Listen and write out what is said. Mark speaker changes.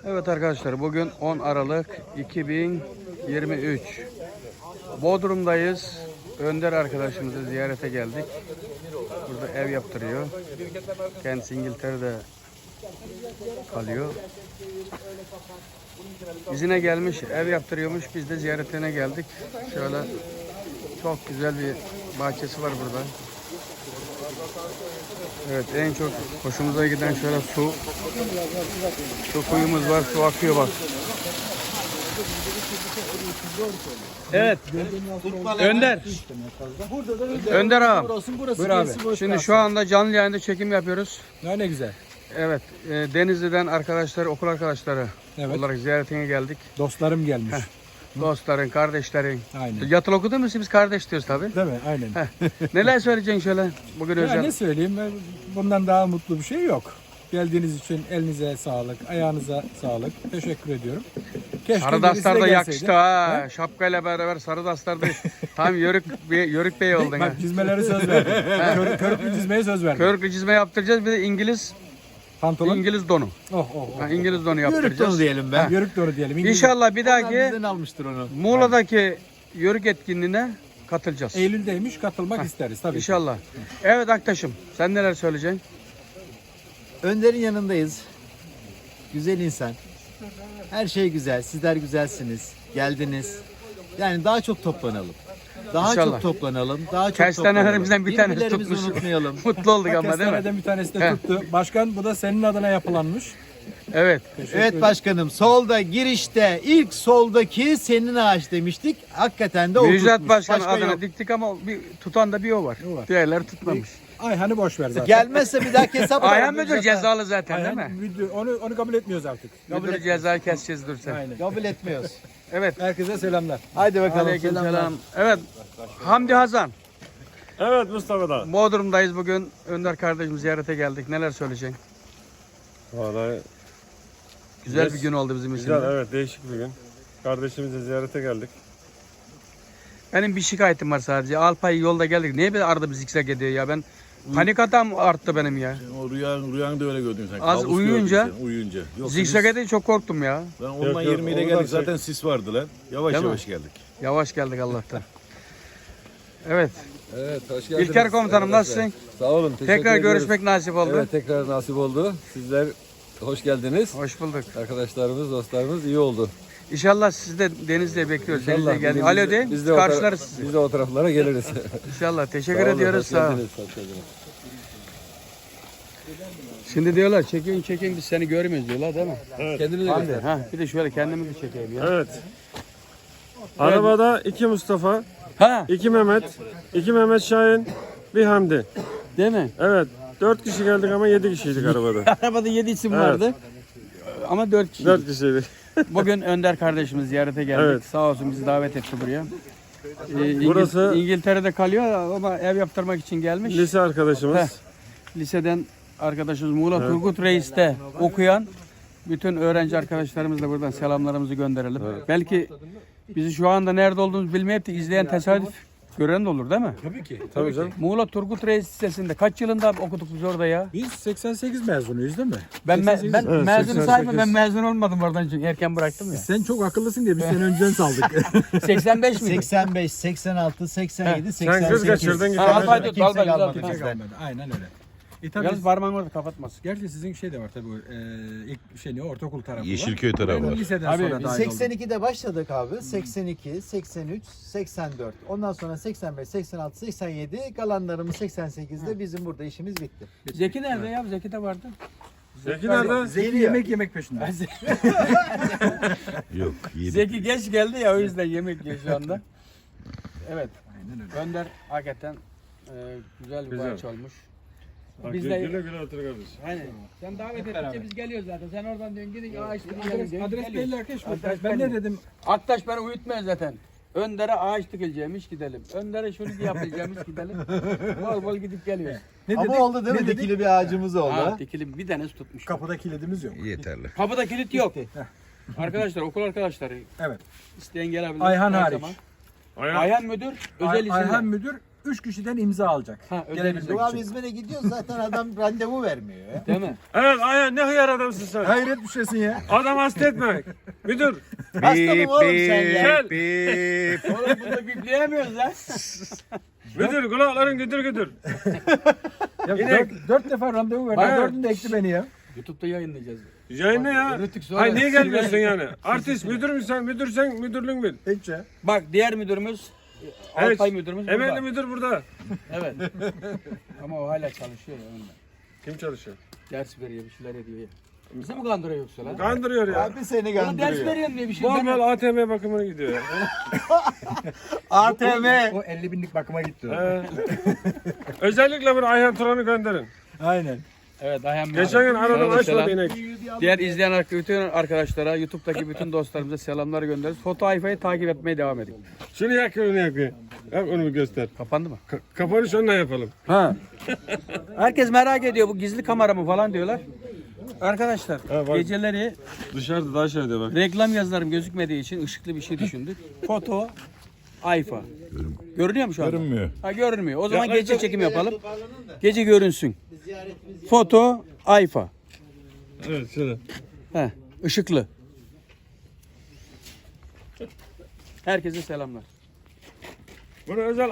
Speaker 1: Evet arkadaşlar, bugün 10 Aralık 2023. Bodrum'dayız. Önder arkadaşımızı ziyarete geldik. Burada ev yaptırıyor. Kendisi İngiltere'de kalıyor. İzine gelmiş, ev yaptırıyormuş. Biz de ziyaretine geldik. Şöyle çok güzel bir bahçesi var burada. Evet, en çok hoşumuza giden şöyle su kuyumuz var, su akıyor bak. Evet, Önder. Önder abi. Buyur abi. Şimdi şu anda canlı yayında çekim yapıyoruz.
Speaker 2: Ne güzel.
Speaker 1: Evet, Denizli'den arkadaşlar, okul arkadaşları olarak ziyaretine geldik.
Speaker 2: Dostlarım gelmiş.
Speaker 1: Dostların, kardeşlerin.
Speaker 2: Aynen.
Speaker 1: Yatılı okudun mu? Biz kardeş diyoruz tabii.
Speaker 2: Değil mi? Aynen.
Speaker 1: Neler söyleyeceksin şöyle bugün
Speaker 2: Ya
Speaker 1: özel?
Speaker 2: ne söyleyeyim? Bundan daha mutlu bir şey yok. Geldiğiniz için elinize sağlık, ayağınıza sağlık. Teşekkür ediyorum. Keşke
Speaker 1: Sarı
Speaker 2: birisi de
Speaker 1: dastar da
Speaker 2: gelseydi.
Speaker 1: yakıştı ha. Şapkayla beraber sarı dastar da tam yörük bey oldun ha.
Speaker 2: Bak çizmeleri söz verdim. Körüklü çizmeye söz verdim.
Speaker 1: Körüklü çizme yaptıracağız, bir de
Speaker 2: Pantolon.
Speaker 1: İngiliz donu. Ha, İngiliz donu
Speaker 3: Yörük
Speaker 1: yaptıracağız.
Speaker 3: donu diyelim be.
Speaker 2: Yörük doğru diyelim. İngiliz.
Speaker 1: İnşallah bir
Speaker 3: Onlar
Speaker 1: dahaki
Speaker 3: bizden almıştır onu.
Speaker 1: Muğla'daki yörük etkinliğine katılacağız.
Speaker 2: Eylül'deymiş, katılmak isteriz tabii.
Speaker 1: İnşallah. Evet Aktaş'ım, sen neler söyleyeceksin?
Speaker 3: Önder'in yanındayız. Güzel insan. Her şey güzel. Sizler güzelsiniz. Geldiniz. Yani daha çok toplanalım. Daha
Speaker 1: İnşallah.
Speaker 3: çok toplanalım. Daha çok
Speaker 1: Kestanelerimizden bir tanesi
Speaker 3: Birbirlerimizi
Speaker 1: tutmuş.
Speaker 3: unutmayalım.
Speaker 1: Mutlu olduk
Speaker 2: Bak,
Speaker 1: ama değil mi?
Speaker 2: kestaneden bir tanesi de tuttu. Başkan, bu da senin adına yapılanmış.
Speaker 1: Evet.
Speaker 3: Evet başkanım, solda girişte ilk soldaki senin ağaç demiştik. Hakikaten de o
Speaker 1: Müjdat
Speaker 3: tutmuş.
Speaker 1: Başkan
Speaker 3: Başka
Speaker 1: adına
Speaker 3: yok.
Speaker 1: diktik ama tutan da bir o var.
Speaker 2: O var.
Speaker 1: Diğerleri tutmamış.
Speaker 2: Ayhan'ı boş ver zaten.
Speaker 3: Gelmezse bir daha hesap
Speaker 1: Ayhan
Speaker 3: alalım.
Speaker 1: müdür cezalı zaten değil
Speaker 2: Ayhan,
Speaker 1: mi?
Speaker 2: müdür, onu kabul etmiyoruz artık.
Speaker 1: Müdür ceza keseceğiz dur sen.
Speaker 2: Aynen.
Speaker 3: Kabul etmiyoruz.
Speaker 1: Evet.
Speaker 2: Herkese selamlar.
Speaker 3: Haydi bakalım.
Speaker 1: Aleykümselam. Evet. Hamdi Hazan.
Speaker 4: Evet Mustafa da.
Speaker 1: Bodrum'dayız bugün. Önder kardeşim ziyarete geldik. Neler söyleyeceksin?
Speaker 4: Vallahi
Speaker 1: Güzel bir gün oldu bizim için.
Speaker 4: güzel, evet, değişik bir gün. Kardeşimizi ziyarete geldik.
Speaker 1: Benim bir şikayetim var sadece. Alpay yolda geldik. Niye böyle arada bir zikzak ediyor ya? Ben panik atam arttı benim ya.
Speaker 5: O rüyanı da öyle gördün sen.
Speaker 1: Az
Speaker 5: Kabus
Speaker 1: uyuyunca-
Speaker 5: gördün sen, uyuyunca. Yok,
Speaker 1: Zikzak edince çok korktum ya.
Speaker 5: Ben ondan
Speaker 4: Yok,
Speaker 5: 20 ile
Speaker 4: oradan
Speaker 5: geldik.
Speaker 4: şey-
Speaker 5: Zaten sis vardı lan. Yavaş
Speaker 1: Değil mi?
Speaker 5: yavaş geldik.
Speaker 1: Yavaş geldik Allah'tan. Evet.
Speaker 6: Evet, hoş geldiniz.
Speaker 1: İlker komutanım
Speaker 6: arkadaşlar.
Speaker 1: nasılsın?
Speaker 6: Sağ olun, teşekkür
Speaker 1: Tekrar
Speaker 6: ediyoruz.
Speaker 1: görüşmek nasip oldu.
Speaker 6: Evet, tekrar nasip oldu. Sizler hoş geldiniz.
Speaker 1: Hoş bulduk.
Speaker 6: Arkadaşlarımız, dostlarımız iyi oldu.
Speaker 1: İnşallah sizi de Denizli'ye bekliyoruz. Denizli'ye
Speaker 6: biz
Speaker 1: geldik.
Speaker 6: de-
Speaker 1: Alo de.
Speaker 6: biz de o
Speaker 1: Karşılarız
Speaker 6: tara-
Speaker 1: sizi.
Speaker 6: Biz de o taraflara geliriz.
Speaker 1: İnşallah. Teşekkür
Speaker 6: Sağ olun,
Speaker 1: ediyoruz.
Speaker 6: hoş
Speaker 1: Sağ ol.
Speaker 6: geldiniz, hoş geldiniz.
Speaker 1: Şimdi diyorlar çekin biz seni görmüyoruz diyorlar değil mi?
Speaker 6: Kendinize
Speaker 1: Hadi.
Speaker 6: göster.
Speaker 1: Ha, bir de şöyle kendimi bir çekeyim ya.
Speaker 4: Evet. Arabada iki Mustafa,
Speaker 1: Ha,
Speaker 4: iki Mehmet, iki Mehmet Şahin, bir Hamdi.
Speaker 1: değil mi?
Speaker 4: Evet. 4 kişi geldik ama 7 kişiydik arabada.
Speaker 1: Arabada 7 isim
Speaker 4: Evet.
Speaker 1: vardı. Ama 4 kişi.
Speaker 4: 4 kişiydik.
Speaker 1: Bugün Önder kardeşimiz ziyarete geldik.
Speaker 4: Evet.
Speaker 1: Sağ olsun bizi davet etti buraya.
Speaker 4: Burası-
Speaker 1: İngiltere'de kalıyor ama ev yaptırmak için gelmiş.
Speaker 4: Lise arkadaşımız.
Speaker 1: Heh. Liseden arkadaşımız Muğla Turgut Reis'te okuyan bütün öğrenci arkadaşlarımızla buradan selamlarımızı gönderelim. Belki bizi şu anda nerede olduğumuzu bilmeyip de izleyen tesadüf gören de olur değil mi?
Speaker 2: Tabii ki.
Speaker 4: Tabii canım.
Speaker 1: Muğla Turgut Reis Lisesi'nde kaç yılında okuduk biz orada ya?
Speaker 2: Biz 88 mezunuyuz değil mi?
Speaker 1: Ben
Speaker 2: 88.
Speaker 1: ben
Speaker 4: Evet,
Speaker 1: mezun
Speaker 4: 88.
Speaker 1: sayma, ben mezun olmadım oradan çünkü erken bıraktım ya.
Speaker 2: Sen çok akıllısın diye biz seni önceden saldık.
Speaker 1: 85 miydi?
Speaker 3: 85, 86, 87,
Speaker 4: Sen kız
Speaker 3: 88.
Speaker 4: kaçırdın gitti.
Speaker 1: Ha, Albay
Speaker 3: Kimse
Speaker 1: tut, Albay tut,
Speaker 3: kalmadı
Speaker 1: Albay.
Speaker 3: bizden.
Speaker 2: Aynen öyle. Tabii
Speaker 1: Yalnız parmağını orada kapatmaz.
Speaker 2: gerçi sizin şey de var tabii. İlk şey ne ortaokul tarafı var.
Speaker 5: Yeşilköy tarafı
Speaker 2: Ben
Speaker 5: var.
Speaker 2: liseden
Speaker 1: Abi,
Speaker 2: sonra
Speaker 1: biz
Speaker 2: dahil oldum.
Speaker 3: 82'de başladık abi. 82, 83, 84. Ondan sonra 85, 86, 87. Kalanlarımız 88'de bizim burada işimiz bitti.
Speaker 1: Zeki nerede ya? Zeki de vardı.
Speaker 4: Zeki nerede?
Speaker 2: Zeki yemek peşinde.
Speaker 5: Yok. 7.
Speaker 1: Zeki geç geldi ya o yüzden yemek yiyor şu anda. Evet. Önder hakikaten güzel bir
Speaker 4: Güzel.
Speaker 1: bahçe olmuş.
Speaker 4: Bak,
Speaker 1: Biz
Speaker 4: güle
Speaker 1: de-
Speaker 4: güle otur kardeş.
Speaker 1: Hani sen davet edince biz geliyoruz zaten. Sen oradan diyorsun gidin ağaç dikin.
Speaker 2: Adres belli arkadaşlar.
Speaker 1: Adres
Speaker 2: Ben
Speaker 1: belli.
Speaker 2: ne dedim?
Speaker 1: Aktaş beni uyutmuyor zaten. Önder'e ağaç dikileceğimiş gidelim. Önder'e şunu yapılacağımış gidelim. Bol bol gidip geliyoruz.
Speaker 2: Ne
Speaker 3: Ama
Speaker 2: dedik?
Speaker 3: oldu değil mi?
Speaker 2: Ne dedik?
Speaker 3: Dikili bir ağacımız oldu.
Speaker 1: Ha, dikili bir tanesi tutmuş.
Speaker 2: Kapıda kilidimiz yok.
Speaker 5: Yeterli.
Speaker 1: Kapıda kilit yok. Arkadaşlar okul arkadaşları
Speaker 2: Evet.
Speaker 1: isteyen gelebilir.
Speaker 2: Ayhan
Speaker 1: her
Speaker 2: hariç.
Speaker 1: zaman.
Speaker 4: Ayhan.
Speaker 1: Ayhan müdür, özel isimle.
Speaker 2: Ayhan müdür 3 kişiden imza alacak.
Speaker 1: Ha,
Speaker 2: Gelebilecek
Speaker 3: Bu abi
Speaker 2: için.
Speaker 3: İzmir'e gidiyoruz zaten adam randevu vermiyor ya.
Speaker 1: Değil mi?
Speaker 4: Evet Ayhan ne hıyar adamsın sen.
Speaker 2: Hayret bir şeysin ya.
Speaker 4: Adam hasta etme. Müdür.
Speaker 3: Hasta mı oğlum sen ya?
Speaker 4: Gel.
Speaker 1: Oğlum bunu bipleyemiyoruz lan.
Speaker 4: Müdür kulakların güdür güdür.
Speaker 2: Ya
Speaker 4: İnek.
Speaker 2: 4 defa randevu verdi.
Speaker 4: Hayır.
Speaker 2: 4'ünü de ekti beni ya.
Speaker 1: YouTube'da yayınlayacağız.
Speaker 4: Yayınla ya.
Speaker 1: Rütük sonra-
Speaker 4: Ay niye gelmiyorsun yani? Artist müdür müsün? Müdürsen müdürlüğün bil.
Speaker 2: Hiç ya.
Speaker 1: Bak diğer müdürümüz
Speaker 4: Evet.
Speaker 1: Alpay müdürümüz burada.
Speaker 4: Emekli müdür burada.
Speaker 1: Evet. Ama o hala çalışıyor ya onunla.
Speaker 4: Kim çalışıyor?
Speaker 1: Ders veriyor, bir şeyler ediyor ya. Bizi mi kandırıyor yoksa lan?
Speaker 4: Kandırıyor ya.
Speaker 3: Abi seni
Speaker 1: Ona ders
Speaker 3: kandırıyor.
Speaker 1: veriyorum diye bir şey.
Speaker 4: Bol
Speaker 1: Ben-
Speaker 4: bol ATM bakımına gidiyor ya.
Speaker 3: ATM.
Speaker 2: O 50 binlik bakıma gitti.
Speaker 4: Özellikle bir Ayhan Turan'ı gönderin.
Speaker 2: Aynen.
Speaker 1: Evet Ayhan Bey.
Speaker 4: Geçen gün
Speaker 1: Sana
Speaker 4: aradım
Speaker 1: da
Speaker 4: açmadı
Speaker 1: selam.
Speaker 4: inek.
Speaker 1: Diğer izleyen bütün arkadaşlara, YouTube'daki bütün dostlarımıza selamlar göndeririz. Foto Ayfa'yı takip etmeye devam edin.
Speaker 4: Şunu yakıyor onu yakıyor. Yap onu bir göster.
Speaker 1: Kapandı mı?
Speaker 4: Kapanış onunla yapalım.
Speaker 1: Ha. Herkes merak ediyor bu gizli kamera mı falan diyorlar. Arkadaşlar
Speaker 4: Ha, bak.
Speaker 1: geceleri
Speaker 4: Dışarıda daha şeyde bak.
Speaker 1: reklam yazılarım gözükmediği için ışıklı bir şey düşündük. Foto Ayfa. Görünüyor mu şu anda?
Speaker 5: Görünmüyor.
Speaker 1: Ha görünmüyor. O zaman
Speaker 4: Yaklaşık-
Speaker 1: gece çekim yapalım. Gece görünsün. Foto Ayfa.
Speaker 4: Evet şöyle.
Speaker 1: He, ışıklı. Herkese selamlar.
Speaker 4: Bunu özel